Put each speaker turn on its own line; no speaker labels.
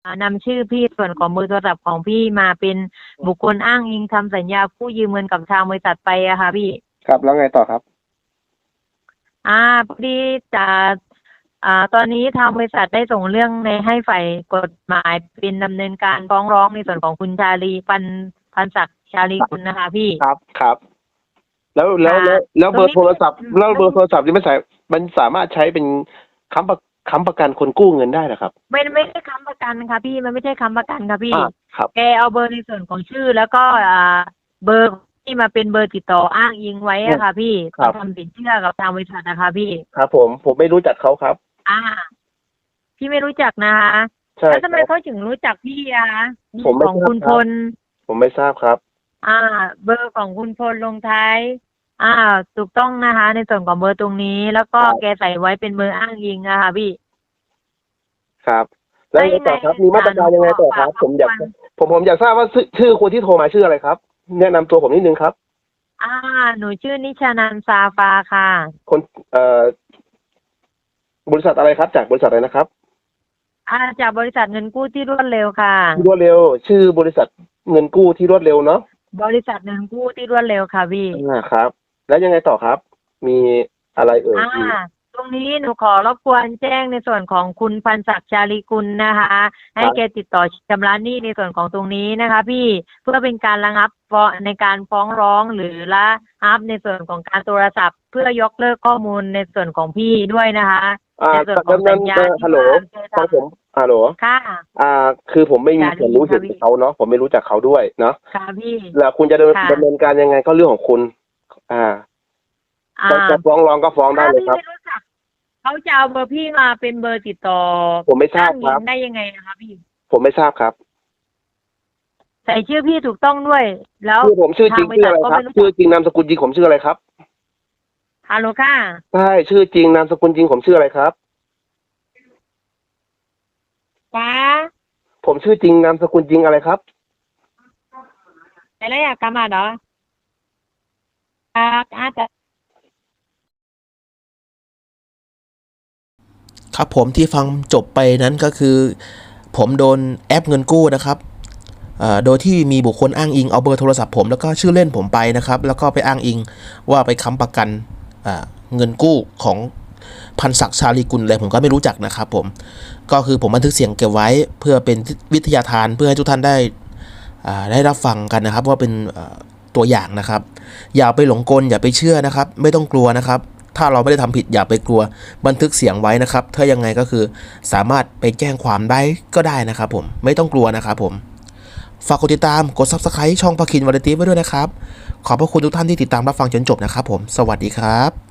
นำชื่อพี่ส่วนของเบอร์โทรศัพท์ของพี่มาเป็นบุคคลอ้างอิงทำสัญญากู้ยืมเงินกับทางบริษัทไปอะค่ะพี่
ครับแล้วไงต่อครับ
พอดีจะตอนนี้ทางบริษัทได้ส่งเรื่องในให้ฝ่ายกฎหมายเป็นดำเนินการฟ้องร้องในส่วนของคุณชาลีพันศักดิ์ชาลีกุลนะคะพี่
ครับแล้วเบอร์โทรศัพท์ที่มันสามารถใช้เป็นค้ำประกันคนกู้เงินได้เหรอครับ
ไม่ใช่ค้ำประกันค่ะพี่มันไม่ใช่ค้ำประกันค่ะพี่
ครับ
แกเอาเบอร์ในส่วนของชื่อแล้วก็เบอร์ที่มาเป็นเบอร์ติดต่ออ้างอิงไว้อะค่ะพี่ทำสินเชื่อกับทางบริษัทนะคะพี่
ครับผมไม่รู้จักเขาครับ
พี่ไม่รู้จักนะคะแล้วทำไมเขาถึงรู้จักพี่ของคุณพล
ผมไม่ทราบครับ
เบอร์ของคุณพลลงท้ายถูกต้องนะคะในส่วนของเบอร์ตรงนี้แล้วก็แกใส่ไว้เป็นเบอร์อ้างอิงอะค่ะพี่
ครับแล้วยังไงต่อครับมีมาตรการยังไงต่อครับผมอยากทราบว่าชื่อคนที่โทรมาชื่ออะไรครับแนะนำตัวผมนิดนึงครับ
หนูชื่อนิชานันท์ซาฟาค่ะ
คนบริษัทอะไรครับจากบริษัทอะไรนะครับ
จากบริษัทเงินกู้ที่รวดเร็วค่ะ
รวดเร็วชื่อบริษัทเงินกู้ที่รวดเร็วเนาะ
บริษัทเงินกู้ที่รวดเร็วค่ะพี่
ครับแล้วยังไงต่อครับมีอะไรเอ่ย
ตรงนี้หนูขอรบกวนแจ้งในส่วนของคุณพันศักดิ์ชาลีกุลนะคะให้แกติดต่อชำระหนี้ในส่วนของตรงนี้นะคะพี่เพื่อเป็นการระงับในการฟ้องร้องหรือละอัพในส่วนของการโทรศัพท์เพื่อยกเลิกข้อมูลในส่วนของพี่ด้วยนะคะในส่วนของสัญญา
ฮัลโหลฟังผมฮัลโหล
ค่ะ
คือผมไม่มีส่วนรู้เห็นเขาเนาะผมไม่รู้จักเขาด้วยเนาะ
ค่ะพี่
แล้วคุณจะดำเนินการยังไงก็เรื่องของคุณจะฟ้องร้องก็ฟ้องได้เลยครับ
เขาจะเอาเบอร์พี่มาเป็นเบอร์ติดต่อ
ผมไม่ทราบครับ
ได้ยังไงนะคะพี่
ผมไม่ทราบครับ
ใส่ชื่อพี่ถูกต้องด้วยแล้ว
ชื่อผมชื่อจริงชื่ออะไรครับชื่อจริงนามสกุลจริงผมชื่ออะไรครับ
ฮัลโหลค่ะ
ใช่ชื่อจริงนามสกุลจริงผมชื่ออะไรครับผมชื่อจริงนามสกุลจริงอะไรครับ
อะไรกามาเหรออาจจะ
ครับผมที่ฟังจบไปนั้นก็คือผมโดนแอปเงินกู้นะครับโดยที่มีบุคคลอ้างอิงเอาเบอร์โทรศัพท์ผมแล้วก็ชื่อเล่นผมไปนะครับแล้วก็ไปอ้างอิงว่าไปค้ำประกันเงินกู้ของพันศักดิ์ชาลีกุลอะไรผมก็ไม่รู้จักนะครับผมก็คือผมบันทึกเสียงเก็บไว้เพื่อเป็นวิทยาทานเพื่อให้ทุกท่านได้รับฟังกันนะครับว่าเป็นตัวอย่างนะครับอย่าไปหลงกลอย่าไปเชื่อนะครับไม่ต้องกลัวนะครับถ้าเราไม่ได้ทำผิดอย่าไปกลัวบันทึกเสียงไว้นะครับถ้ายังไงก็คือสามารถไปแจ้งความได้ก็ได้นะครับผมไม่ต้องกลัวนะครับผมฝากกดติดตามกด Subscribe ช่องพาคินวาไรตี้ไว้ด้วยนะครับขอบพระคุณทุกท่านที่ติดตามรับฟังจนจบนะครับผมสวัสดีครับ